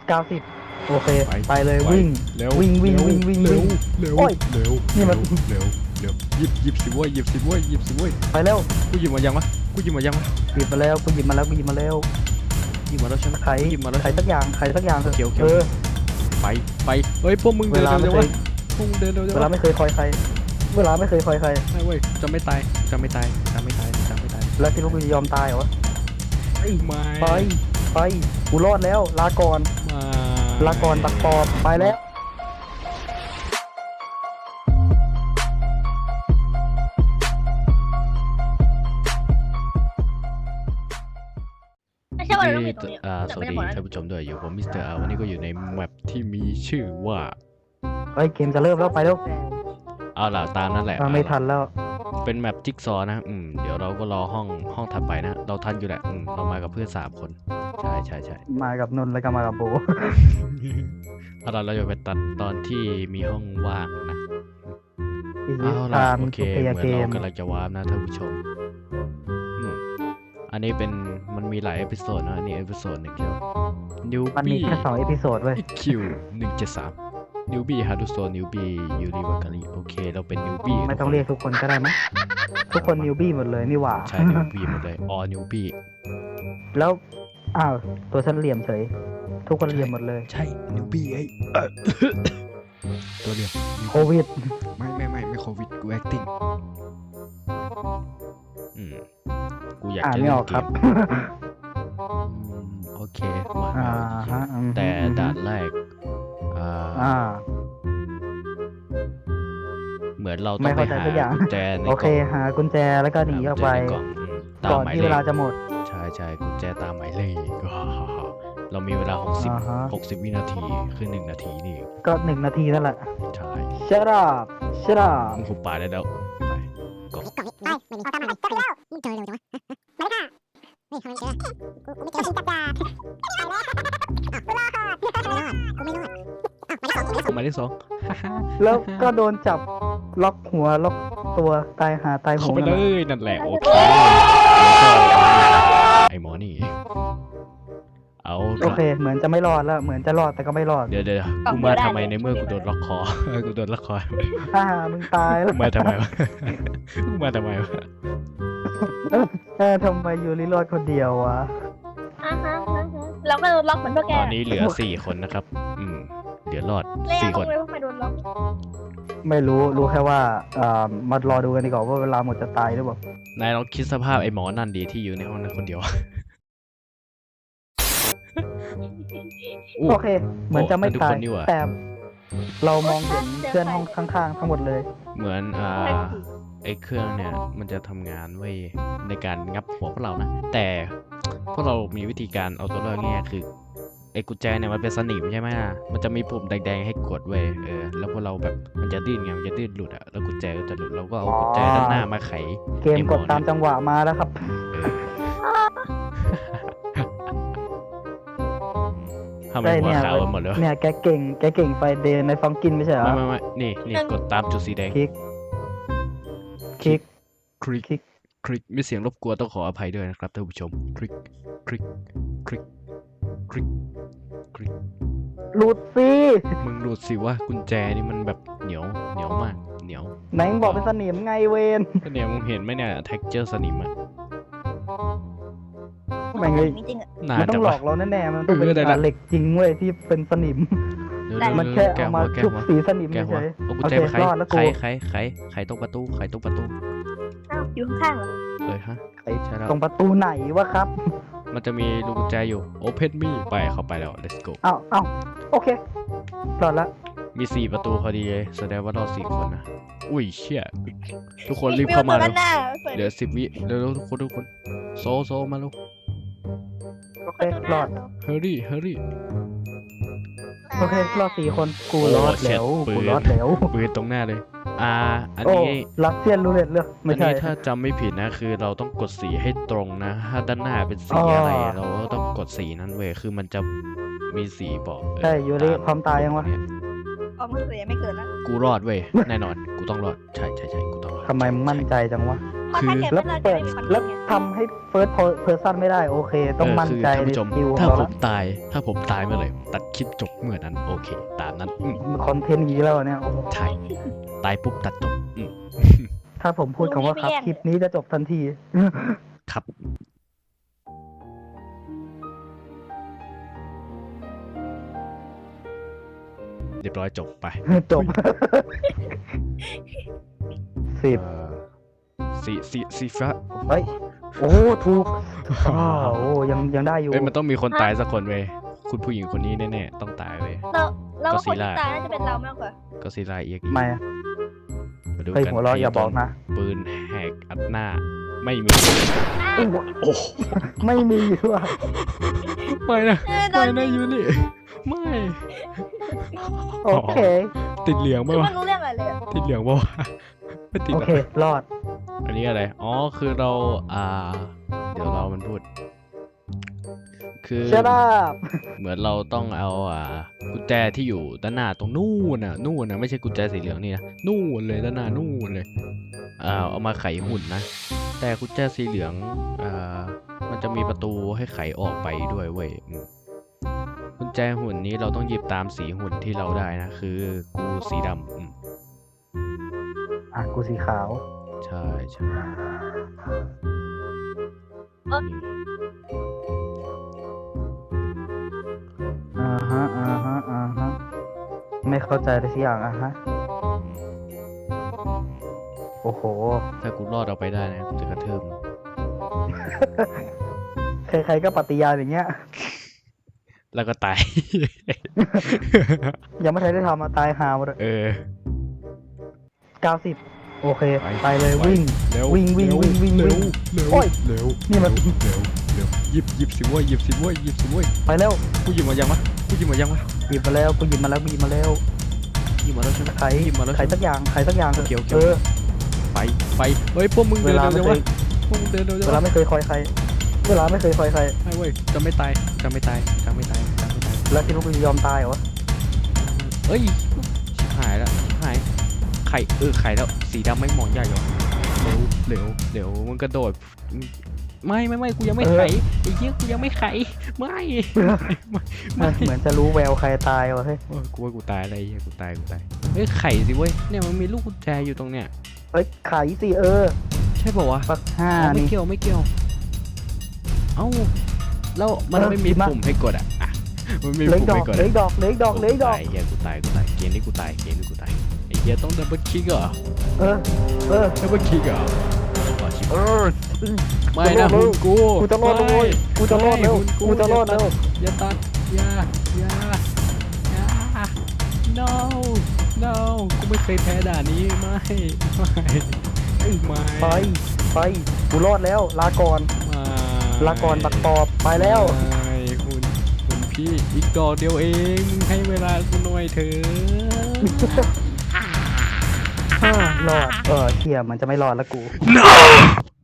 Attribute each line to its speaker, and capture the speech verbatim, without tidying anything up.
Speaker 1: เก้าสิบโอเค
Speaker 2: ไป
Speaker 1: ไปเลย
Speaker 2: ไป
Speaker 1: วิ่ง
Speaker 2: เร็ว
Speaker 1: วิ่งวิ่งวิ่งวิ่ง
Speaker 2: เร็ว
Speaker 1: วิ่ง
Speaker 2: เร็ว
Speaker 1: โอ้ย
Speaker 2: เร็ว
Speaker 1: นี่มัน
Speaker 2: เร็วเร็วหยิบหยิบสิเว้ยหยิบสิเว้ยหยิบสิเว้ย
Speaker 1: ไปเร็ว
Speaker 2: กูหยิบมายังวะกูหยิบมายังวะ
Speaker 1: หยิบมาแล้วกูหยิบมาแล้วกูหยิบมาแล้ว
Speaker 2: หยิบมาแล้วใช่ไหม
Speaker 1: ไข
Speaker 2: หยิบมาแล้ว
Speaker 1: ไขสักอย่างไขสักอย่างเถอะ
Speaker 2: เขียวเขียว
Speaker 1: เออ
Speaker 2: ไปไปเฮ้ยพวกมึง
Speaker 1: เว
Speaker 2: เดิน
Speaker 1: ลา
Speaker 2: เร็
Speaker 1: ไม่
Speaker 2: ว
Speaker 1: เค
Speaker 2: ๆ
Speaker 1: ยว
Speaker 2: ะพวกมึงเดินเร็ว
Speaker 1: เวลา
Speaker 2: ๆ
Speaker 1: ไม่เคยคอยใครเวลาไม่เคยคอยใคร
Speaker 2: ไม่เว้ยจะไม่ตายจะไม่ตายจะไม่ตายจะไม่ตาย
Speaker 1: แล้วคิดว่ากูจะยอมตายเหรอวะ
Speaker 2: ไม่
Speaker 1: ไปไปกูรอดแล้วลาก่อน
Speaker 2: ไม่
Speaker 1: ลาก่อนตักปอบไปแล้ว
Speaker 3: ไม่ใช่ว่าเราต้อง
Speaker 2: นี่
Speaker 3: อยู่ตรงนี้
Speaker 2: อ่า
Speaker 3: แต่
Speaker 2: สวั
Speaker 3: ไม่
Speaker 2: ส
Speaker 3: ได้
Speaker 2: ดี
Speaker 3: บอกนะ
Speaker 2: ท่านผู้ชมด้วยอยู่ผมมิสเตอร์อาวันนี้ก็อยู่ในแมปที่มีชื่อว่า
Speaker 1: เฮ้ยเกมจะเริ่มแล้วไปแล้ว
Speaker 2: เอาล่ะตามนั่นแหละ
Speaker 1: อ่าไม่ทันแล้ว
Speaker 2: เป็นแมปจิ๊กซอว์นะอืมเดี๋ยวเราก็รอห้องห้องถัดไปนะเราทันอยู่แหละอืมเรามากับเพื่อนสามคนใช่ใช่ใช่
Speaker 1: มากับนนท์แล้วก็มากับโบ
Speaker 2: เอาล่ะเราจะไปตัดตอนที่มีห้องว่างนะ
Speaker 1: อีก
Speaker 2: เอาล่ะ
Speaker 1: ตาม
Speaker 2: โอเค
Speaker 1: ทุก
Speaker 2: เห
Speaker 1: เพ
Speaker 2: มือน
Speaker 1: ย์เก
Speaker 2: เรา
Speaker 1: ม
Speaker 2: กำลังจะวาร์ปนะท่านผู้ชมอืมอันนี้เป็นมันมีหลายเอพิโซดนะอันนี้เอพิโซดหนึ่งเดียวนิว
Speaker 1: มันมี
Speaker 2: บี้
Speaker 1: แค่สองเอพิโซดเว้ย
Speaker 2: อีคิวหนึ่งเจ็ดสามนิวบี้ฮาร์ดโซนิวบี้ยูริวากาลีโอเคเราเป็นนิวบี้
Speaker 1: ไม่ต้องเรียกทุกคนก็ได้มั้ยทุกคนนิวบี้หมดเลยนี่หว่า
Speaker 2: ใช่นิวบี้หมดเลยออนิวบี้
Speaker 1: แล้วอ้าวตัวฉันเหลี่ยมเฉยทุกคนเหลี่ยมหมดเลย
Speaker 2: ใช่นิวบี้ไอ้เอ่อ ตัวเดียว
Speaker 1: โควิด
Speaker 2: ไม่ไม่ไม่ไม่โควิดกู acting อืมกูอยาก
Speaker 1: อ่าน
Speaker 2: จะ
Speaker 1: ไม่
Speaker 2: เล่
Speaker 1: อน อก
Speaker 2: เก
Speaker 1: ครับ
Speaker 2: มอืมโอเคมา
Speaker 1: อ่า
Speaker 2: โอเค
Speaker 1: ฮะอืม
Speaker 2: แต่ด่านแรกอ่า
Speaker 1: อ่า
Speaker 2: เหมือนเราต้
Speaker 1: ไม่
Speaker 2: องไป
Speaker 1: เข้าใจ
Speaker 2: หา
Speaker 1: สักอย่าง
Speaker 2: กุญแจใน
Speaker 1: โอก เค
Speaker 2: ล่อง
Speaker 1: หากุญแจแล้วก็หนีออกไป
Speaker 2: หากุญแจในกล่องอืมตาม
Speaker 1: ก่อน
Speaker 2: หมาย
Speaker 1: ที่
Speaker 2: เล
Speaker 1: เวลา
Speaker 2: ข
Speaker 1: จะหมด
Speaker 2: ใช่ใช่กุญแจตามหมายเลข เรามีเวลาหกสิบ
Speaker 1: อ่าฮะ
Speaker 2: หกสิบวินาทีคือหนึ่งนาทีนี่
Speaker 1: ก็หนึ่งนาทีนั่นแหละ
Speaker 2: ใช่
Speaker 1: shut up shut up
Speaker 2: มึงหุบปากได้แล้วไปกด
Speaker 4: ก่อนนี้ไปไม่มีเอาตามมาไปแล้วมึงเจอเร็วจังวะมาเลยค่ะนี่ทำไมเจอกูกูไม่เจอจับจ่าไปแล้วอ้าวไม่รอดกูไม่รอดกูไม่รอดอ้าวหมายเลขสองหมายเลขสอง
Speaker 1: แล้วก็โดนจับล็อกหัวล็อกตัวตายหาตายโห
Speaker 2: เข้าง ไป
Speaker 1: นั่น
Speaker 2: เล
Speaker 1: แหละ
Speaker 2: ยนั่นแหละโอเคไอหมอนี่เอา
Speaker 1: โอเค เหมือนจะไม่รอดแล้วเหมือนจะรอดแต่ก็ไม่รอด
Speaker 2: เดี๋ยวเดี๋ยวกูมาทำไมในเมื่อกูโดนล็อกคอกูโดนล็อกคอ
Speaker 1: อ่ามึงตายแล้ว
Speaker 2: กูมาทำไมวะกูมาทำไมวะ
Speaker 1: เออทำไมยูริรอดคนเดียววะ
Speaker 3: อ่าฮะอ่าฮะเราก็โดนล็อกเหมือนพวกแก
Speaker 2: ตอนนี้เหลือสี่คนนะครับ อืมเดี๋ยวรอด
Speaker 3: เล่น
Speaker 2: สี่
Speaker 3: ต
Speaker 2: ค
Speaker 3: ร
Speaker 2: น
Speaker 3: งเลยว่าใครโดนล็อก
Speaker 1: ไม่รู้รู้แค่ว่าอ่ามารอดูกันดีกว่าว่าเวลาหมดจะตายหรือเปล่าน
Speaker 2: ายลองคิดสภาพไอ้หมอนั่นดีที่อยู่ในห้องนั้นคนเดียว
Speaker 1: โอเค เหมือนจะไม่
Speaker 2: ทุก
Speaker 1: ตา
Speaker 2: ค
Speaker 1: ย
Speaker 2: นนี่หว่า
Speaker 1: แต่เรามองเห็นเพื่อนห้องข้างๆทั้งหมดเลย
Speaker 2: เหมือนอ่าไอ้เครื่องเนี่ยมันจะทำงานไว้ในการงับหัวพวกเรานะ แต่พวกเรามีวิธีการเอาตัวรอดง่ายๆคือไอ้กุญแจเนี่ยมันเป็นสนิมใช่ไหมล่ะมันจะมีปุ่มแดงๆให้กดเว้ยเออแล้วพวกเราแบบมันจะดิ้นไงมันจะดิ้นหลุดอะแล้วกุญแจก็จะหลุดเราก็เอากุญแจด้านหน้ามาไข
Speaker 1: เกมกดตามจังหวะมาแล้วครับ
Speaker 2: ทำไม
Speaker 1: ได้
Speaker 2: หัว
Speaker 1: เนี่ย
Speaker 2: ขาวกันหมดเลยวะ
Speaker 1: เนี่ยแกเก่งแกเก่งไฟเดนในฟองกินไม่ใช่เหรอ
Speaker 2: ไม่ไม่ไม่นี่นี่กดตามจุดสีแดง
Speaker 1: คลิกคลิก
Speaker 2: คลิก
Speaker 1: คลิก
Speaker 2: คลิกมีเสียงรบกวนต้องขออภัยด้วยนะครับท่านผู้ชมคลิกคลิกคลิกคลิกคลิก
Speaker 1: หลุดสิ
Speaker 2: มึงดูสิว่ากุญแจนี่มันแบบเหนียวเหนียวมากเหนียว
Speaker 1: ไหนมึงบอกเป็นสนิมไงเวน
Speaker 2: ก็เนี่ยมึงเห็นไหมเนี่ย texture สนิมอะ
Speaker 1: ไม่เงย
Speaker 3: จริงๆอะ
Speaker 2: หนา
Speaker 1: มันต้
Speaker 2: จั
Speaker 1: อง งหล
Speaker 2: วะ
Speaker 1: อกเราแน่ๆมันต้องเป็น
Speaker 2: เออได้ละ
Speaker 1: อ่าเหล็กจริงเว้ยที่เป็นสนิม
Speaker 2: เร็ว
Speaker 3: ได้
Speaker 2: ๆ
Speaker 1: มันแค่
Speaker 2: แกะ
Speaker 1: เอา
Speaker 2: หั
Speaker 1: มาว
Speaker 2: แกะ
Speaker 1: ชุบ
Speaker 2: หัว
Speaker 1: สีสนิม
Speaker 2: แกะหัว
Speaker 1: เฉย
Speaker 2: เอากุญ
Speaker 1: โอ
Speaker 2: แจ
Speaker 1: เค
Speaker 2: ไปไข
Speaker 1: รอดแล้ว
Speaker 2: ไข
Speaker 1: กู
Speaker 2: ไขไขไขตรงประตูไขตรงประตู
Speaker 3: อ้าวอยู่ข้างๆเหรอ
Speaker 2: เลยฮะ
Speaker 1: ไอ้
Speaker 2: ใช่แล้ว
Speaker 1: ตรงประตูไหนวะครับ
Speaker 2: มันจะมีลูกกุญแจอยู่ open me ไปเข้าไปแล้ว let's go
Speaker 1: อ้าวอ้าวโอเครอดละ
Speaker 2: มีสี่ประตูพอดีเลยแสดงว่ารอดสี่คนนะอุ้ยเชี่ยทุกคนรีบเข้ามา
Speaker 3: ด้
Speaker 2: แล้
Speaker 3: นหน้าเปิด
Speaker 2: เหลือสิบวิเร็วๆทุกคนทุกคนโซโซมาลูก
Speaker 1: โอเครอด
Speaker 2: hurry hurry
Speaker 1: โอเครอดสี่คนกู
Speaker 2: โอ้
Speaker 1: รอด
Speaker 2: เช็ด
Speaker 1: แล้ว
Speaker 2: ปืน
Speaker 1: กูรอดแล้ว
Speaker 2: ปืนตรงหน้าเลย อ่า อัน
Speaker 1: โอ้
Speaker 2: นี้
Speaker 1: รัสเซียนรูเล็ตเลือก
Speaker 2: อั
Speaker 1: ไม่
Speaker 2: น
Speaker 1: ใช่
Speaker 2: นี้ถ้าจำไม่ผิดนะคือเราต้องกดสีให้ตรงนะ ถ้าด้านหน้าเป็นสี
Speaker 1: อ๋ออ
Speaker 2: อะไร เราก็ต้องกดสีนั้นเว้ยคือมันจะมีสีบอกเออ
Speaker 1: ใช่ยูริ
Speaker 2: ต
Speaker 1: พร้อมตายยังวะ
Speaker 2: เนี่ย
Speaker 3: ออกมาเสียไม่เกิดแล้ว
Speaker 2: กูรอดเว้ยแน่นอนกูต้องรอดใช่ใช่ใช่กูต้องรอด
Speaker 1: ทำไมมึงมั่นใจจังวะ
Speaker 3: เพราะ
Speaker 2: คือ
Speaker 3: ถ้าเกม
Speaker 1: แล้ว
Speaker 3: ไม่เลิกจะ
Speaker 1: เปิด
Speaker 3: ไม่มีคน
Speaker 1: แล้ว
Speaker 3: เล่นไง
Speaker 1: ทำให้เฟิร์สเพอร์ซันไม่ได้โอเค ต้องมั่นใจ
Speaker 2: เออคือท่าน
Speaker 1: ใน
Speaker 2: ผู้ชม
Speaker 1: สกิลของ
Speaker 2: ถ้า
Speaker 1: เรา
Speaker 2: ผ
Speaker 1: แล้ว
Speaker 2: มตาย ถ้าผมตายเมื่อไหร่ตัดคลิปจบเมื่อนั้น โอเค ตามนั้นอืม
Speaker 1: คอนเทนต์นี้แล้วเนี่ยโอ้โห
Speaker 2: ใช่ตายปุ๊บตัดจบอืม
Speaker 1: ถ้าผมพูดคำว่าครับคลิปนี้จะจบทันที
Speaker 2: ครับ เรียบร้อยจบไป
Speaker 1: จบสิบ
Speaker 2: เอ่อสีสีสีฟ้า
Speaker 1: เฮ้ย โอ้ถูกอ้าวโอ้ยังยังได้อยู่
Speaker 2: เอ้ยมันต้องมีคนตายสักคนเว้ยคุณผู้หญิงคนนี้แน่ๆต้องตายเว้ย
Speaker 3: เราเราว่าคน
Speaker 2: ก็
Speaker 3: ที่
Speaker 2: Godzilla
Speaker 3: ตายน่าจะเป็นเรามากกว่า
Speaker 2: ก็ซีไลเอียก
Speaker 1: ไม่อะ
Speaker 2: มาดู
Speaker 1: เฮ้ย
Speaker 2: กัน
Speaker 1: หัวเราะอย่าบอกนะ
Speaker 2: ปืนแหกอัดหน้า ไม่มี โอ้
Speaker 1: ไม่มีว่ะ
Speaker 2: ไม่นะ
Speaker 3: เออโด
Speaker 2: ไม่
Speaker 3: น
Speaker 2: นะยูนี่ไม่
Speaker 1: โอเค
Speaker 2: ติดเหลือง
Speaker 3: คื
Speaker 2: ป่ะ
Speaker 3: อ
Speaker 2: วะ
Speaker 3: ไม่รู้เรื่องอะไรเลยอะ
Speaker 2: ติดเหลืองป่ะวะไม่ติด
Speaker 1: โอ
Speaker 2: หรอ
Speaker 1: เค รอด
Speaker 2: อันนี้อะไร อ๋อ คือเรา อ่า เดี๋ยวเรามันพูด คือ
Speaker 1: ชนะ
Speaker 2: เหมือนเราต้องเอา อ่า กุญแจที่อยู่ด้านหน้าตรงนู่นน่ะ นู่นน่ะ ไม่ใช่กุญแจสีเหลืองนี่นะ นู่นเลยด้านหน้า นู่นเลย อ่า เอามาไขหุ่นนะ แต่กุญแจสีเหลือง อ่า มันจะมีประตูให้ไขออกไปด้วยเว้ยอืมกุญแจหุ่นนี้เราต้องหยิบตามสีหุ่นที่เราได้นะ คือกูสีดำอืม
Speaker 1: อ่ะ กูสีขาว
Speaker 2: ใช่ใช่
Speaker 1: อ่าฮะ อ่าฮะ อ่าฮะ ไม่เข้าใจเลยสักอย่างอ่ะฮะ โอ้โห
Speaker 2: ถ้ากูรอดเอาไปได้นะกูจะกระเทิม
Speaker 1: ใครๆก็ปฏิญาณอย่างเงี้ย
Speaker 2: แล้วก็ตาย
Speaker 1: ยังไม่ทันได้ทำมาตายหาหมดเลย
Speaker 2: เออ
Speaker 1: เก้าสิบโอเค
Speaker 2: ไป
Speaker 1: ไปเลย
Speaker 2: ไป
Speaker 1: วิ่ง
Speaker 2: เร็ว
Speaker 1: วิ่งวิ่ง
Speaker 2: เร็
Speaker 1: วิ่งวิ่ง
Speaker 2: เร็ว
Speaker 1: วิ่ง
Speaker 2: เร็ว
Speaker 1: โอ้ย
Speaker 2: เร็ว
Speaker 1: นี่มัน
Speaker 2: เร็วเร็วเร็วหยิบหยิบสิเว้ยหยิบสิเว้ยหยิบสิเว้ย
Speaker 1: ไปเร็ว
Speaker 2: กูหยิบมายังวะกูหยิบมายังวะ
Speaker 1: หยิบมาแล้วกูหยิบมาแล้วกูหยิบมาแล้ว
Speaker 2: หยิบมาแล้วใช่ไหม
Speaker 1: ไข
Speaker 2: หยิบมาแล้ว
Speaker 1: ไข
Speaker 2: ใช่ไหม
Speaker 1: สักอย่างไขสักอย่าง
Speaker 2: โอเคโอเค
Speaker 1: เออ
Speaker 2: ไปไปเฮ้ยพวกมึง
Speaker 1: เว
Speaker 2: เดิน
Speaker 1: ลา
Speaker 2: เร็ว
Speaker 1: ไม่
Speaker 2: จัง
Speaker 1: เค
Speaker 2: วะ
Speaker 1: ย
Speaker 2: พวกมึงเดินเร็วจัง
Speaker 1: เวลาว
Speaker 2: ะ
Speaker 1: ไม่เคยคอยใคร เวลาไม่เคยคอยใคร
Speaker 2: ไม่เว้ยจะไม่ตายจะไม่ตายจะไม่ตายจะไม่ตาย
Speaker 1: แล้วคิดว่ากูจะยอมตายเหรอ
Speaker 2: เอ้ยชิบหายแล้วชิบหายไข่เออไข่แล้วสีดำไม่งมองใหญ่เหรอเร็วเร็วเดี๋ยวมึงกระโดดไม่ไม่ไม่กูยังไม่ไขไอ้เหี้ยกูยังไม่ไขไม่ไม่ไม่
Speaker 1: เหมือนจะรู้แววใครตายวะเฮ้ย
Speaker 2: โอ้ยกูว่ากูตายอะไรเหี้ยกูตายกูตายเฮ้ยไข่สิเว้ยเนี่ยมันมีลูกกุญแจอยู่ตรงเนี้ย
Speaker 1: เอ้ยไขสิเออ
Speaker 2: ใช่ป่าวะ
Speaker 1: ปักห้า
Speaker 2: อ๋อไม่
Speaker 1: นี่
Speaker 2: เกี่ยวไม่เกี่ยวเอ้าแล้วมัน
Speaker 1: เออ
Speaker 2: ไม่มี
Speaker 1: หยิบมา
Speaker 2: ปุ่มให้กดอ่ะอ่ะมันไม่มี
Speaker 1: เหล็ก
Speaker 2: ปุ่ม
Speaker 1: ดอก
Speaker 2: ให้กด
Speaker 1: เหล็กดอกเหล็กดอกเหล็กดอก
Speaker 2: ไอ้เหี้ยกูตายกูตายเกมนี้กูตายเกมนี้กูตายไอ้เหี้ยต้องดับเบิลคลิกเหรอ
Speaker 1: เออ เออ
Speaker 2: ดับเบิลคลิกเหรออ๋อชิบ
Speaker 1: เออ
Speaker 2: ไม่นะ
Speaker 1: กู
Speaker 2: หุ่นกู
Speaker 1: กูจะรอดแล้วเว้ยกูจะรอดแล้ว
Speaker 2: ไม่หุ่น
Speaker 1: กูจะรอดแล้ว
Speaker 2: อย่าตัดอย่าอย่าอย่า no no กูไม่เคยแพ้ด่านนี้ไม่ไม่ไม่
Speaker 1: ไป ไป กูรอดแล้ว ลาก่อน
Speaker 2: ไม่
Speaker 1: ลาก่อนบักปอบ ไปแล้ว
Speaker 2: ไม่หุ่นหุ่นพี่อีกดอกเดียวเองมึงให้เวลากูหน่อยเถอะ
Speaker 1: รอด เออเชี่ยมันจะไม่รอดแล้วกู
Speaker 2: no